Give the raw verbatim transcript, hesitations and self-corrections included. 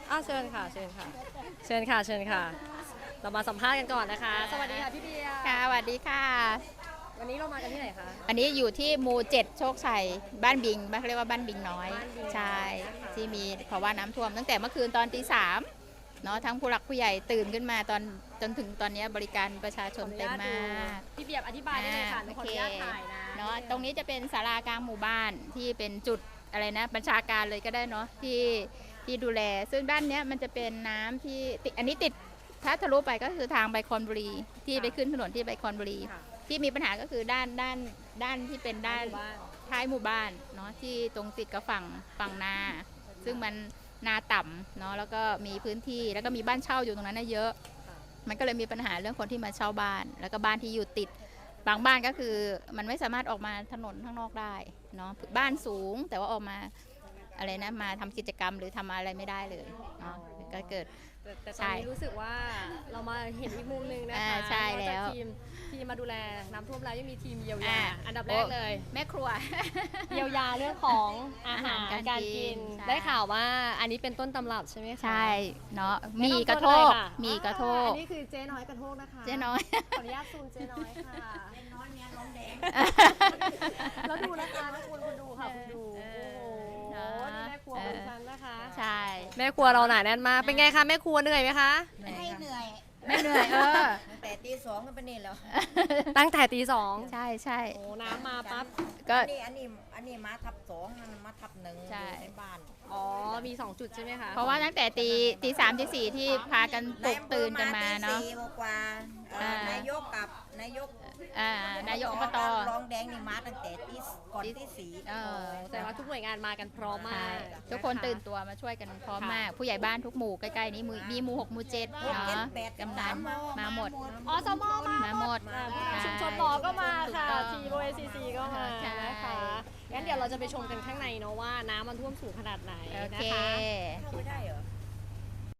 อ้าวเชิญค่ะเชิญค่ะเชิญค่ะเชิญค่ะเรามาสัมภาษณ์กันก่อนนะคะสวัสดีค่ะพี่เบียร์ค่ะสวัสดีค่ะวันนี้เรามากันที่ไหนคะอันนี้อยู่ที่หมู่เจ็ดโชคชัยบ้านบิงบ้านเขาเรียกว่าบ้านบิงน้อยบ้านบิงน้อยใช่นะคะที่มีเพราะว่าน้ำท่วมตั้งแต่เมื่อคืนตอนตีสามเนาะทั้งผู้หลักผู้ใหญ่ตื่นขึ้นมาตอนจนถึงตอนนี้บริการประชาชนเต็มมากพี่เบียร์อธิบายได้เลยค่ะหนูขออนุญาตถ่ายนะเนาะตรงนี้จะเป็นศาลากลางหมู่บ้านที่เป็นจุดอะไรนะบัญชาการเลยก็ได้เนาะที่ที่ดูแล ซึ่งด้านเนี้ยมันจะเป็นน้ำที่ติดอันนี้ติดถ้าทะลุไปก็คือทางไบคอนบุรีที่ไปขึ้นถนนที่ไบคอนบุรีที่มีปัญหาก็คือด้านด้านด้านที่เป็นด้านท้ายหมู่บ้านเนาะที่ตรงติดกับฝั่งฝั่งนา ซึ่งมันนาต่ำเนาะแล้วก็มีพื้นที่แล้วก็มีบ้านเช่าอยู่ตรงนั้นเยอะ มันก็เลยมีปัญหาเรื่องคนที่มาเช่าบ้าน แล้วก็บ้านที่อยู่ติดบางบ้านก็คือมันไม่สามารถออกมาถนนข้างนอกได้เนาะบ้านสูงแต่ว่าออกมาอะไรนะมาทำกิจกรรมหรือทำอะไรไม่ได้เลยเนาะก็เกิดแต่แต่ตอนนี้รู้สึกว่าเรามาเห็นอีกมุมหนึงนะอ่าคะใช่แล้วนอกจากทีมทีมมาดูแลน้ำท่วมแล้วยังมีทีมเยียวยาอ่าอันดับแรกเลยแม่ครัวเยียวยาเรื่องของอาหารอาหารกาการ รกิกินนใช่ได้ข่าวว่าอันนี้เป็นต้นตำรับใช่ไหมคะใช่เนาะแนะมีนำกระโทตัวหกน่อยค่มีกระโทอ่าอักนนี้คือเจ๊น้อยกระโทกนะคะเจ๊น้อยขออนุญาตซูมเจ๊น้อยค่ะเจ๊น้อยเนี่ยน้องแดงแล้วดูนะคะนะคุณคุณดูค่ะคุณดูเอโอ้อโหเนอะนี่แม่ครัวของดิฉันนะคะใช่แม่ครัวเราหนาแน่นมากเป็นไงคะแม่ครัวเหนื่อยไหมคะไม่เหนื่อยไม่เหนื่อยเออตั้งแต่ตีสองก็เป็นนี่แล้วตั้งแต่ตีสองใช่ใช่โอ้น้ำมาปั๊บก็อันนี้อันนี้อันนี้มาทับสองมันมาทับหนึ่งใช่อยู่ในบ้านอ๋อมีสองจุดใช่ไหมคะเพราะว่าตั้งแต่ตีตีสามตีสี่ที่พากันปลุกตื่นกันมาเนาะตีสี่กว่าเอ่ออ่านนายกกับนายกอ่านายกอบตรองแดงนี่มาตั้งแต่ตีก่อนตีสี่เออแต่ว่าทุกหน่วยงานมากันพร้อมมาใช่กทุกคนตื่นตัวมาช่วยกันพร้อมมาก ผู้ใหญ่บ้านทุกหมู่ใกล้ๆนี้หมู่มีหมู่หกหมู่เจ็ดหกเจ็ดเนาะแปดกำนันมาหมดอสมมามาหมดอ่าใช่ชุมชนหมอก็มาค่ะถูกต้องทีโอเอซีซีก็มาใช่นะคะงั้นเดี๋ยวเราจะไปชมกันข้างในเนาะว่าน้ำมันท่วมสูงขนาดไหนโอนะเคคะเข้าไปได้เหรอ